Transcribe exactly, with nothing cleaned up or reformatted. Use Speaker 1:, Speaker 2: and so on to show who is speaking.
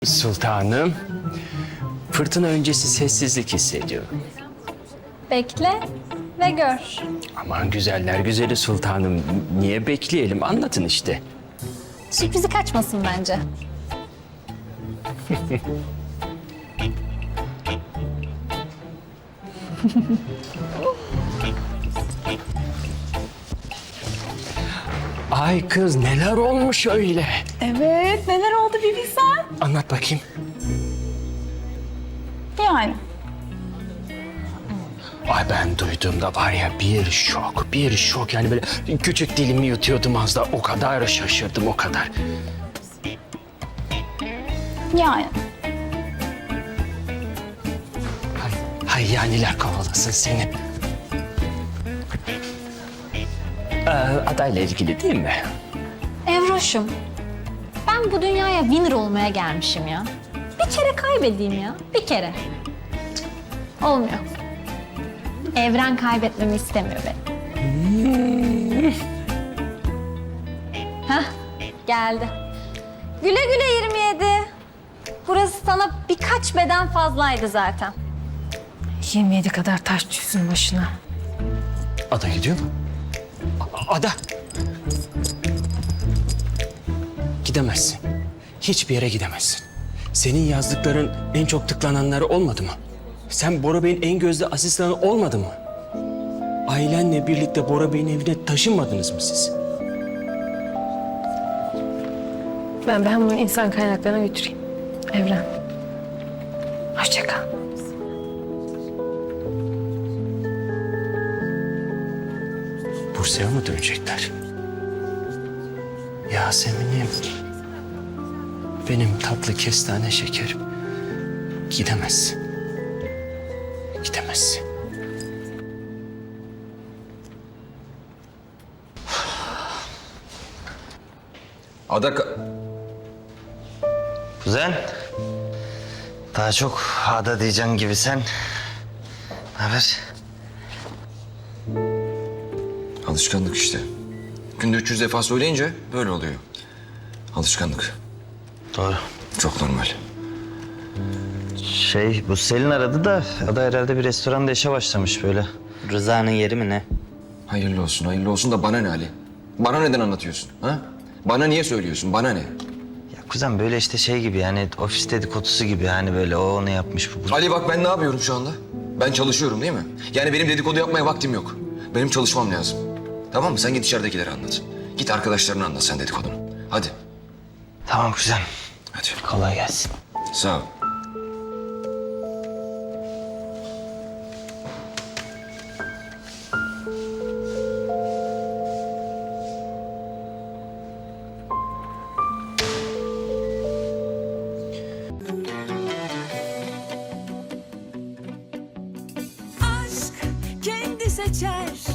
Speaker 1: Sultanım, fırtına öncesi sessizlik hissediyorum.
Speaker 2: Bekle ve gör.
Speaker 1: Aman güzeller güzeli sultanım, niye bekleyelim? Anlatın işte.
Speaker 2: Sürprizi kaçmasın bence.
Speaker 1: Ay kız, neler olmuş öyle?
Speaker 3: Evet, neler oldu bir bilsen.
Speaker 1: Anlat bakayım.
Speaker 3: Yani.
Speaker 1: Ay ben duyduğumda var ya bir şok, bir şok. Yani böyle küçük dilimi yutuyordum az da o kadar şaşırdım, o kadar.
Speaker 3: Yani.
Speaker 1: Hay, hay yaniler kovalasın seni. Ee, adayla ilgili değil mi?
Speaker 2: Evroş'um, ben bu dünyaya winner olmaya gelmişim ya. Bir kere kaybedeyim ya, bir kere. Cık, olmuyor. Evren kaybetmemi istemiyor beni. Hah, geldi. Güle güle yirmi yedi. Burası sana birkaç beden fazlaydı zaten.
Speaker 3: yirmi yedi kadar taş düşsün başına.
Speaker 1: Ada gidiyor mu? A- Ada! Gidemezsin. Hiçbir yere gidemezsin. Senin yazdıkların en çok tıklananları olmadı mı? Sen Bora Bey'in en gözde asistanı olmadı mı? Ailenle birlikte Bora Bey'in evine taşınmadınız mı siz?
Speaker 3: Ben ben bunu insan kaynaklarına götüreyim. Evren. Hoşça kal.
Speaker 1: Bursa'ya mı dönecekler? Yasemin'im. Benim tatlı kestane şekerim. Gidemezsin. Gidemezsin.
Speaker 4: Ada... ka-
Speaker 5: Kuzen. Daha çok Ada diyeceksin gibi sen. Ne haber?
Speaker 4: Alışkanlık işte. Günde üç yüz defa söyleyince böyle oluyor. Alışkanlık.
Speaker 5: Doğru.
Speaker 4: Çok normal.
Speaker 5: Şey, bu Selin aradı da Ada herhalde bir restoranda işe başlamış böyle. Rıza'nın yeri mi ne?
Speaker 4: Hayırlı olsun, hayırlı olsun da bana ne Ali? Bana neden anlatıyorsun? Ha? Bana niye söylüyorsun? Bana ne?
Speaker 5: Ya kuzen böyle işte şey gibi yani ofis dedikodusu gibi hani böyle o onu yapmış bu. bu.
Speaker 4: Ali bak ben ne yapıyorum şu anda? Ben çalışıyorum değil mi? Yani benim dedikodu yapmaya vaktim yok. Benim çalışmam lazım. Tamam mı? Sen git içeridekilere anlat. Git arkadaşlarına anlat sen dedikodunu. Hadi.
Speaker 5: Tamam kuzen.
Speaker 4: Hadi.
Speaker 5: Kolay gelsin.
Speaker 4: Sağ ol.
Speaker 6: Aşk kendi seçer